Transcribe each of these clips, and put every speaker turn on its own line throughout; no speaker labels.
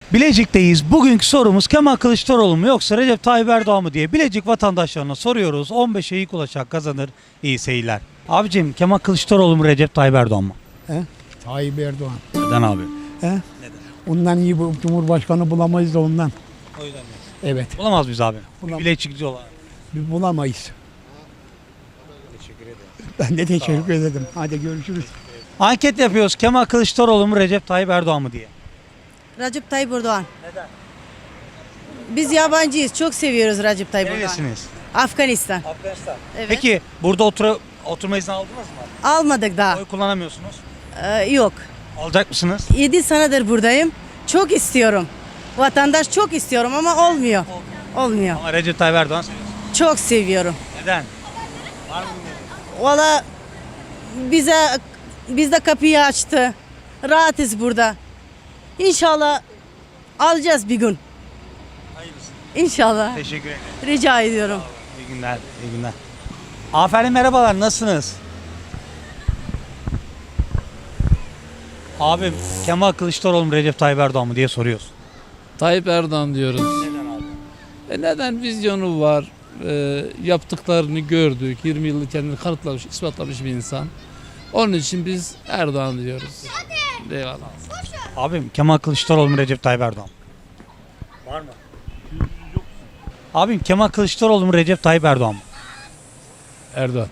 Bilecik'teyiz. Bugünkü sorumuz Kemal Kılıçdaroğlu mu yoksa Recep Tayyip Erdoğan mı diye Bilecik vatandaşlarına soruyoruz. 15'e ilk ulaşan kazanır. İyi seyirler. Abicim Kemal Kılıçdaroğlu mu Recep Tayyip Erdoğan mı?
Tayyip Erdoğan.
Neden abi?
He? Ondan iyi bir cumhurbaşkanı bulamayız da ondan.
O yüzden mi?
Evet.
Bulamaz mıyız abi?
Bulamaz.
Bilecikçi olarak.
Biz bulamayız.
Teşekkür ederim.
Ben de teşekkür ederim. Hadi görüşürüz.
Anket yapıyoruz. Kemal Kılıçdaroğlu mu Recep Tayyip Erdoğan mı diye.
Recep Tayyip Erdoğan.
Neden?
Biz yabancıyız. Çok seviyoruz Recep Tayyip Erdoğan.
Neresiniz?
Afganistan.
Afganistan.
Evet.
Peki burada oturma izni aldınız mı?
Almadık daha.
Oy kullanamıyorsunuz.
Yok.
Alacak mısınız?
7 senedir buradayım. Çok istiyorum. Vatandaş çok istiyorum ama olmuyor. Olmuyor.
Ama Recep Tayyip Erdoğan seviyorsunuz.
Çok seviyorum.
Neden?
Valla bizde kapıyı açtı. Rahatız burada. İnşallah alacağız bir gün.
Hayırlısı.
İnşallah.
Teşekkür ederim.
Rica ediyorum.
İyi günler, iyi günler. Aferin merhabalar, nasılsınız? Abim Kemal Kılıçdaroğlu mu Recep Tayyip Erdoğan mı diye soruyoruz.
Tayyip Erdoğan diyoruz.
Neden abi?
Neden vizyonu var? Yaptıklarını gördük. 20 yıllık kendini kanıtlamış, ispatlamış bir insan. Onun için biz Erdoğan diyoruz. Eyvallah.
Abim Kemal Kılıçdaroğlu mu Recep Tayyip Erdoğan mı? Var mı? Abim Kemal Kılıçdaroğlu mu Recep Tayyip Erdoğan mı?
Erdoğan.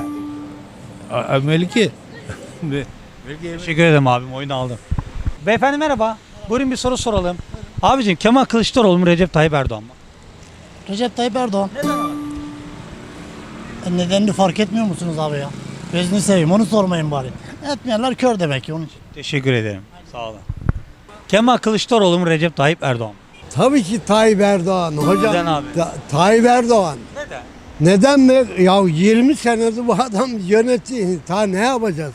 Melike.
Teşekkür ederim abim, oyunu aldım. Beyefendi merhaba. Buyurun bir soru soralım. Abicim Kemal Kılıçdaroğlu mu Recep Tayyip Erdoğan mı?
Recep Tayyip Erdoğan.
Neden abi?
Nedenini fark etmiyor musunuz abi ya? Gözünü seveyim, onu sormayın bari. Etmeyenler kör demek ki onun için.
Teşekkür ederim. Sağ olun. Kemal Kılıçdaroğlu mu Recep Tayyip Erdoğan mı?
Tabii ki Tayyip Erdoğan hocam.
Neden abi?
Tayyip Erdoğan.
Neden?
Neden mi? Ya 20 senedir bu adam yönetiyor. Ta ne yapacağız?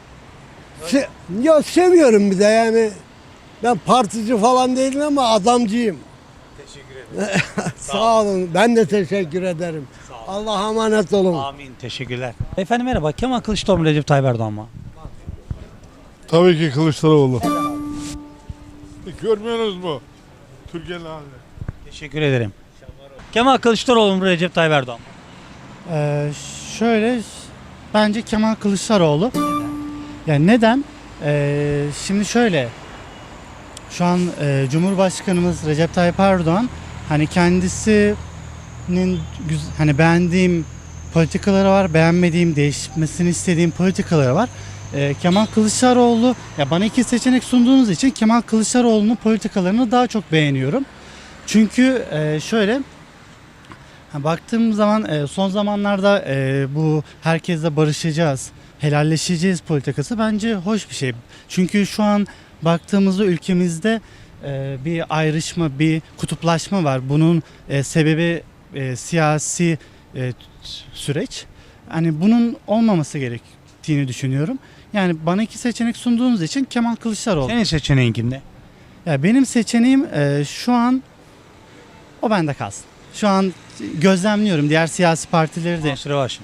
Ya seviyorum bir de yani. Ben partici falan değilim ama adamcıyım.
Teşekkür ederim.
Sağ olun. Ben de teşekkür ederim. Allah'a emanet olun.
Amin. Teşekkürler. Efendim merhaba. Kemal Kılıçdaroğlu mu Recep Tayyip Erdoğan mı?
Tabii ki Kılıçdaroğlu. Görmüyorsunuz mu? Türkiye'nin halini.
Teşekkür ederim. Kemal Kılıçdaroğlu mu Recep Tayyip Erdoğan mı?
Şöyle bence Kemal Kılıçdaroğlu. Yani neden? Şimdi şöyle şu an Cumhurbaşkanımız Recep Tayyip Erdoğan hani kendisinin hani beğendiğim politikaları var, beğenmediğim, değişmesini istediğim politikaları var. Kemal Kılıçdaroğlu ya bana iki seçenek sunduğunuz için Kemal Kılıçdaroğlu'nun politikalarını daha çok beğeniyorum. Çünkü şöyle baktığım zaman son zamanlarda bu herkesle barışacağız, helalleşeceğiz politikası bence hoş bir şey. Çünkü şu an baktığımızda ülkemizde bir ayrışma, bir kutuplaşma var. Bunun sebebi siyasi süreç. Hani bunun olmaması gerektiğini düşünüyorum. Yani bana iki seçenek sunduğunuz için Kemal Kılıçdaroğlu.
Senin seçeneğin kimde?
Ya benim seçeneğim şu an o bende kalsın. Şu an gözlemliyorum diğer siyasi partileri de.
Mansur Yavaş.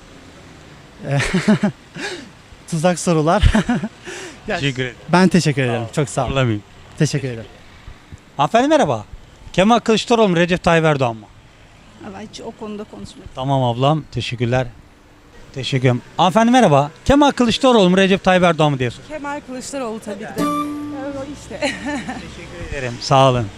Tuzak sorular. Ya,
Teşekkür ederim.
ben teşekkür ederim. Çok sağ olun.
Zorlamayayım.
Teşekkür ederim.
Hanımefendi merhaba. Kemal Kılıçdaroğlu mu Recep Tayyip Erdoğan mı?
Ama hiç o konuda konuşmadık.
Tamam ablam. Teşekkürler. Teşekkür ederim. Hanımefendi merhaba. Kemal Kılıçdaroğlu mu Recep Tayyip Erdoğan mı diye soruyorum.
Kemal Kılıçdaroğlu tabii ki de. O işte.
Teşekkür ederim. Sağ olun.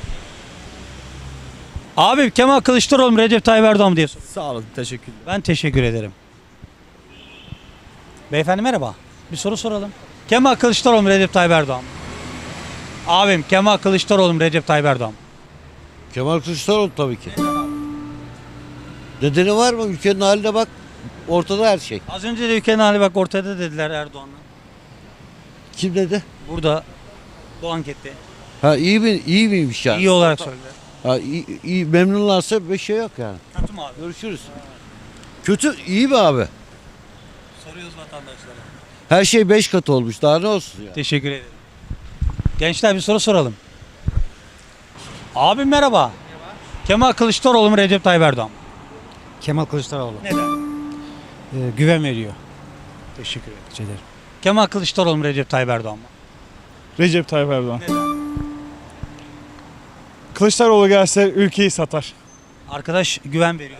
Abi Kemal Kılıçdaroğlu mu Recep Tayyip Erdoğan mı diye soruyorum.
Sağ olun, teşekkürler.
Ben teşekkür ederim. Beyefendi merhaba. Bir soru soralım. Kemal Kılıçdaroğlu mu Recep Tayyip Erdoğan mı? Abim Kemal Kılıçdaroğlu mu Recep Tayyip Erdoğan mı?
Kemal Kılıçdaroğlu tabii ki. Nedeni var mı? Ülkenin haline bak. Ortada her şey.
Az önce de ülkenin hali bak ortada dediler Erdoğan'la.
Kim dedi?
Burada bu ankette.
Ha iyi miymiş yani?
İyi olarak söylediler.
Ha iyi memnunlarsa bir şey yok yani.
Kötü mü abi?
Görüşürüz. Kötü iyi mi abi?
Soruyoruz vatandaşlara.
Her şey 5 kat olmuş. Daha ne olsun ya?
Teşekkür ederim. Gençler bir soru soralım. Abim merhaba. Kemal Kılıçdaroğlu mu Recep Tayyip Erdoğan mı?
Kemal Kılıçdaroğlu.
Neden?
Güven veriyor.
Teşekkür ederim.
Rica ederim.
Kemal Kılıçdaroğlu mu Recep Tayyip Erdoğan mı?
Recep Tayyip Erdoğan. Kılıçdaroğlu gelse ülkeyi satar.
Arkadaş güven veriyor.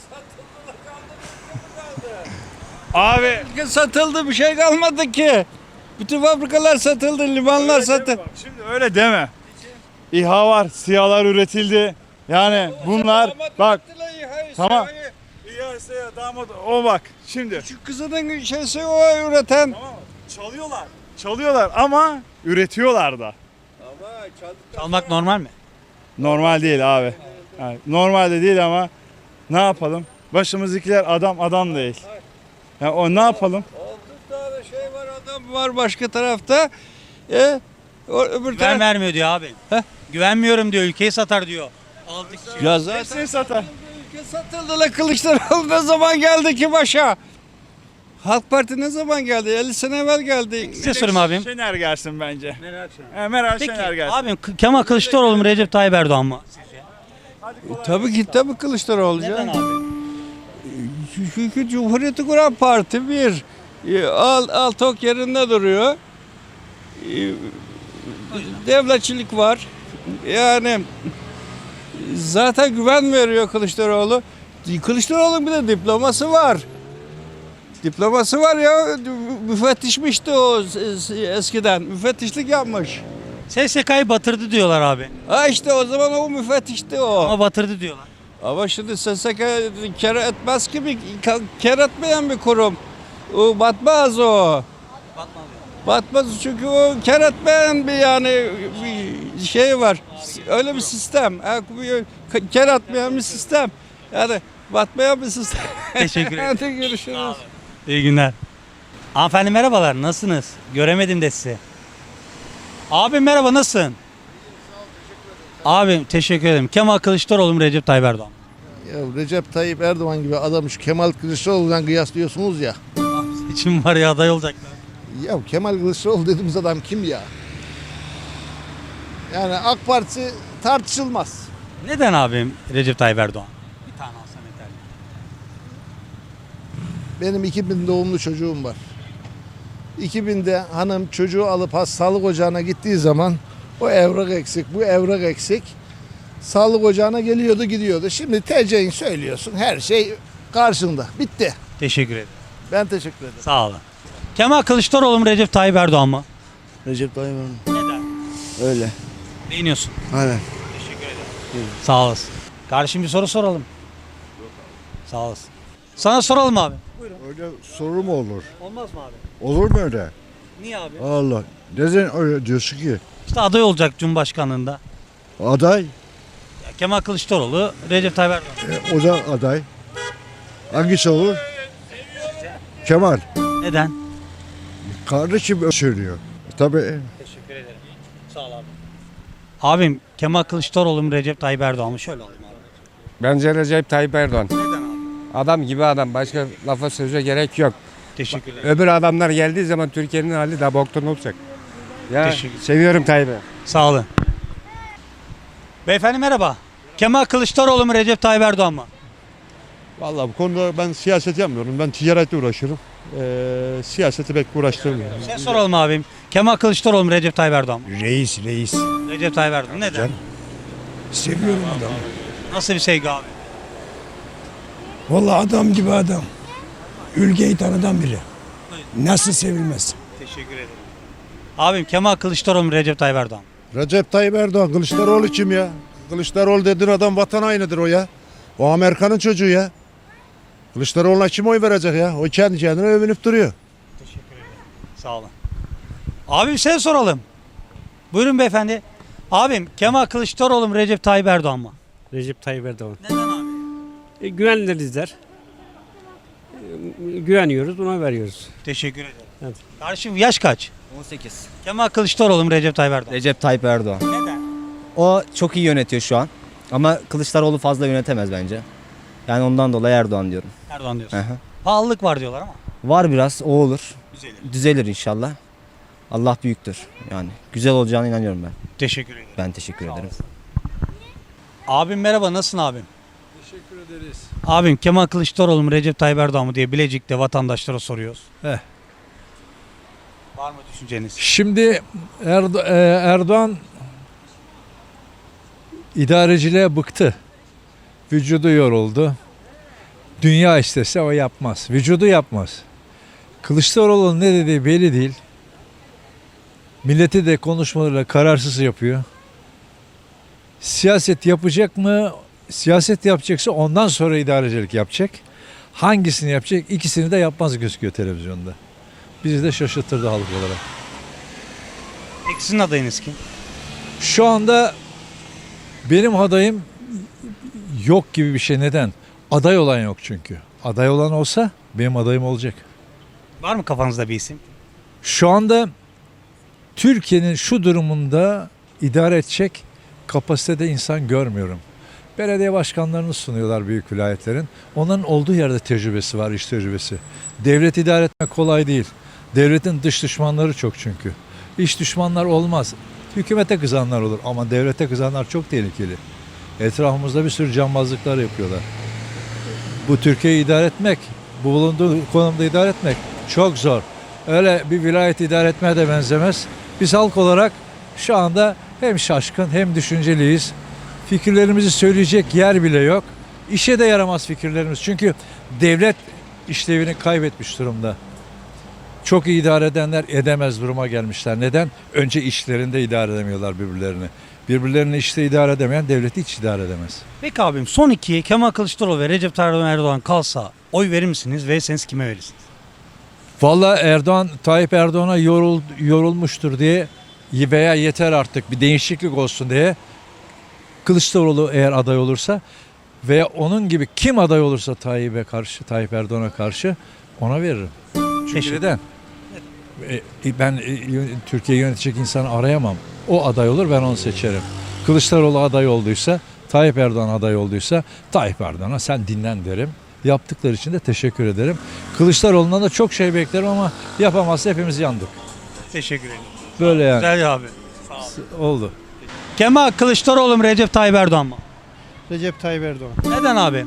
Abi
Satıldı, bir şey kalmadı ki. Bütün fabrikalar satıldı, limanlar satıldı.
şimdi öyle deme. İHA var, SİHA'lar üretildi. Yani bunlar bak tamam. İHA ise damat o bak şimdi.
Şu kızının şeysi o üreten.
Tamam çalıyorlar. Çalıyorlar ama üretiyorlar da.
Çalmak normal mi?
Normal değil abi. Yani normal de değil ama ne yapalım? Başımızdakiler adam değil. Yani o ne yapalım?
6 tane şey var, adam var başka tarafta. Öbür
Güven vermiyor diyor abi. Güvenmiyorum diyor, ülkeyi satar diyor. Aldık.
Ya zaten
Hepsini satar.
ülke satıldı la, Kılıçdaroğlu ne zaman geldi ki başa? Halk Parti ne zaman geldi? 50 sene evvel geldi.
Size sorayım abim.
Şener gelsin bence. Meral
Peki
Şener gelsin.
abim Kemal Kılıçdaroğlu mu Recep Tayyip Erdoğan mı?
Tabii Kılıçdaroğlu.
Neden
canım.
abi?
Çünkü Cumhuriyeti kuran parti bir. Altok yerinde duruyor. Devletçilik var. Yani zaten güven veriyor Kılıçdaroğlu. Kılıçdaroğlu'nun bir de diploması var. Diploması var ya, müfettişmişti o eskiden. Müfettişlik yapmış.
SSK'yı batırdı diyorlar abi.
Ha işte o zaman o müfettişti o.
Ama batırdı diyorlar.
Ama şimdi SSK kar etmez ki, kar etmeyen bir kurum. O batmaz o. Batmaz çünkü o kar etmeyen bir yani bir şey var. Öyle bir sistem. Kar etmeyen bir sistem. Yani batmayan bir sistem.
Teşekkür ederim.
Hadi görüşürüz.
İyi günler. Hanımefendi merhabalar, nasılsınız? Göremedim de sizi. Abim merhaba, nasılsın? Abim teşekkür ederim. Kemal Kılıçdaroğlu mu Recep Tayyip Erdoğan mı?
Ya Recep Tayyip Erdoğan gibi adamı şu Kemal Kılıçdaroğlu'dan kıyaslıyorsunuz ya.
Seçim var ya, aday olacaklar.
Ya Kemal Kılıçdaroğlu dediğimiz adam kim ya? Yani AK Parti tartışılmaz.
Neden abim Recep Tayyip Erdoğan? Bir tane alsan yeterli.
Benim 2000 doğumlu çocuğum var. 2000'de hanım çocuğu alıp sağlık ocağına gittiği zaman o evrak eksik, bu evrak eksik. Sağlık ocağına geliyordu gidiyordu. Şimdi TC'ni söylüyorsun, her şey karşında. Bitti.
Teşekkür ederim.
Ben teşekkür ederim.
Sağ olun. Kemal Kılıçdaroğlu mu Recep Tayyip Erdoğan mı?
Recep Tayyip Erdoğan.
Neden?
Öyle.
Beğeniyorsun.
Aynen.
Teşekkür ederim. Sağ olasın. Kardeşim bir soru soralım. Sağ olasın. Sana soralım abi.
Öyle soru mu olur?
Olmaz mı abi?
Olur mu öyle?
Niye abi?
Allah. Neden öyle diyorsun ki?
İşte aday olacak Cumhurbaşkanlığında.
Aday.
Ya Kemal Kılıçdaroğlu, Recep Tayyip Erdoğan.
O da aday. Hangisi olur? Kemal.
Neden?
Kardeşim söylüyor. Tabii.
Teşekkür ederim. Sağ ol abi. Abim Kemal Kılıçdaroğlu mu Recep Tayyip Erdoğan mı? Şöyle alayım abi.
Bence Recep Tayyip Erdoğan.
Neden abi?
Adam gibi adam. Başka lafa söze gerek yok.
Teşekkür ederim.
Öbür adamlar geldiği zaman Türkiye'nin hali daha boktan olacak. Ya
Teşekkür.
seviyorum Tayyip'i.
Sağ olun. Beyefendi merhaba. Kemal Kılıçdaroğlu mu Recep Tayyip Erdoğan mı?
Vallahi bu konuda ben siyaset yapmıyorum. Ben ticaretle uğraşırım. Siyaseti pek uğraştırmıyorum.
Sen soralım abim. Kemal Kılıçdaroğlu mu Recep Tayyip Erdoğan mı?
Reis.
Recep Tayyip Erdoğan. Neden?
Seviyorum adamı.
Nasıl bir sevgi abi?
Vallahi adam gibi adam. Ülkeyi tanıdan biri. Nasıl sevilmez?
Teşekkür ederim. Abim Kemal Kılıçdaroğlu mu Recep Tayyip Erdoğan mı?
Recep Tayyip Erdoğan. Kılıçdaroğlu kim ya? Kılıçdaroğlu dediğin adam vatan hainidir o ya. O Amerika'nın çocuğu ya. Kılıçdaroğlu'na kim oy verecek ya? O kendi kendine övünüp duruyor.
Teşekkür ederim. Sağ olun. Abim sen soralım. Buyurun beyefendi. Abim Kemal Kılıçdaroğlu mu Recep Tayyip Erdoğan mı?
Recep Tayyip Erdoğan.
Neden abi?
Güvenilirler. Güveniyoruz, ona veriyoruz.
Teşekkür ederim.
Evet.
Kardeşim yaş kaç?
18.
Kemal Kılıçdaroğlu mu Recep Tayyip Erdoğan?
Recep Tayyip Erdoğan.
Neden?
O çok iyi yönetiyor şu an. Ama Kılıçdaroğlu fazla yönetemez bence. Yani ondan dolayı Erdoğan diyorum.
Erdoğan diyorsun.
Aha.
Pahalılık var diyorlar ama.
Var biraz, o olur.
Düzelir.
Düzelir inşallah. Allah büyüktür. Yani güzel olacağına inanıyorum ben.
Teşekkür ederim.
Ben teşekkür
Sağ
ederim.
olasın. Abim merhaba, nasılsın abim?
Teşekkür ederiz.
Abim Kemal Kılıçdaroğlu mu Recep Tayyip Erdoğan mı diye Bilecik'te vatandaşlara soruyoruz. Var mı düşünceniz?
Şimdi Erdoğan
İdareciliğe bıktı. Vücudu yoruldu. Dünya istese o yapmaz. Vücudu yapmaz. Kılıçdaroğlu'nun ne dediği belli değil. Milleti de konuşmalarıyla kararsız yapıyor. Siyaset yapacak mı? Siyaset yapacaksa ondan sonra idarecilik yapacak. Hangisini yapacak? İkisini de yapmaz gözüküyor televizyonda. Bizi de şaşırtırdı halk olarak.
Peki sizin adayınız kim?
Şu anda benim adayım yok gibi bir şey. Neden? Aday olan yok çünkü. Aday olan olsa benim adayım olacak.
Var mı kafanızda bir isim?
Şu anda Türkiye'nin şu durumunda idare edecek kapasitede insan görmüyorum. Belediye başkanlarını sunuyorlar büyük vilayetlerin. Onların olduğu yerde tecrübesi var, iş tecrübesi. Devlet idare etmek kolay değil. Devletin dış düşmanları çok çünkü. İç düşmanlar olmaz. Hükümete kızanlar olur ama devlete kızanlar çok tehlikeli. Etrafımızda bir sürü cambazlıklar yapıyorlar. Bu Türkiye'yi idare etmek, bu bulunduğu konumda idare etmek çok zor. Öyle bir vilayet idare etmeye de benzemez. Biz halk olarak şu anda hem şaşkın hem düşünceliyiz. Fikirlerimizi söyleyecek yer bile yok. İşe de yaramaz fikirlerimiz. Çünkü devlet işlevini kaybetmiş durumda. Çok iyi idare edenler edemez duruma gelmişler. Neden? Önce işlerinde idare edemiyorlar birbirlerini. Birbirlerini işte idare edemeyen devleti hiç idare edemez.
Peki abim son ikiye Kemal Kılıçdaroğlu ve Recep Tayyip Erdoğan kalsa oy verir misiniz? Verirseniz kime verirsiniz?
Vallahi Tayyip Erdoğan'a yorulmuştur diye veya yeter artık bir değişiklik olsun diye Kılıçdaroğlu eğer aday olursa veya onun gibi kim aday olursa Tayyip Erdoğan'a karşı ona veririm. Çünkü neden? Ben Türkiye'yi yönetecek insanı arayamam. O aday olur, ben onu seçerim. Kılıçdaroğlu aday olduysa, Tayyip Erdoğan aday olduysa Tayyip Erdoğan'a sen dinlen derim. Yaptıkları için de teşekkür ederim. Kılıçdaroğlu'ndan da çok şey beklerim ama yapamazsa hepimiz yandık.
Teşekkür ederim.
Böyle yani.
Güzel abi.
Oldu.
Kemal Kılıçdaroğlu mu Recep Tayyip Erdoğan mı?
Recep Tayyip Erdoğan.
Neden abi?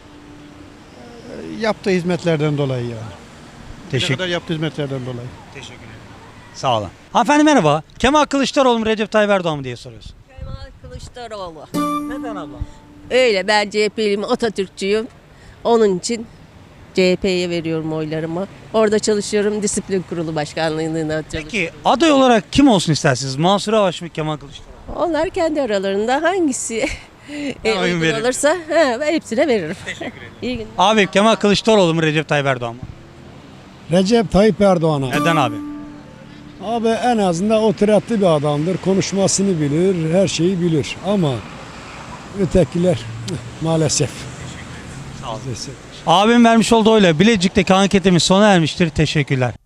Yaptığı hizmetlerden dolayı ya.
Teşekkür.
Yaptığı hizmetlerden dolayı.
Teşekkür ederim. Sağ olun. Hanımefendi merhaba. Kemal Kılıçdaroğlu mu Recep Tayyip Erdoğan mı diye soruyorsun.
Kemal Kılıçdaroğlu.
Neden abla?
Öyle, ben CHP'liyim, Atatürkçüyüm. Onun için CHP'ye veriyorum oylarımı. Orada çalışıyorum, disiplin kurulu başkanlığında çalışıyorum.
Peki aday olarak kim olsun istersiniz? Mansur Yavaş mı Kemal Kılıçdaroğlu?
Onlar kendi aralarında hangisi
Ben oyun
uygun
veririm.
olursa ben hepsine veririm.
Teşekkür ederim.
İyi günler.
Abi Kemal Kılıçdaroğlu mu Recep Tayyip Erdoğan mı?
Recep Tayyip Erdoğan'a.
Neden abi?
Abi en azından oturaklı bir adamdır. Konuşmasını bilir, her şeyi bilir. Ama ötekiler maalesef.
Sağ olun. Abim vermiş olduğu oyla Bilecik'teki anketimiz sona ermiştir. Teşekkürler.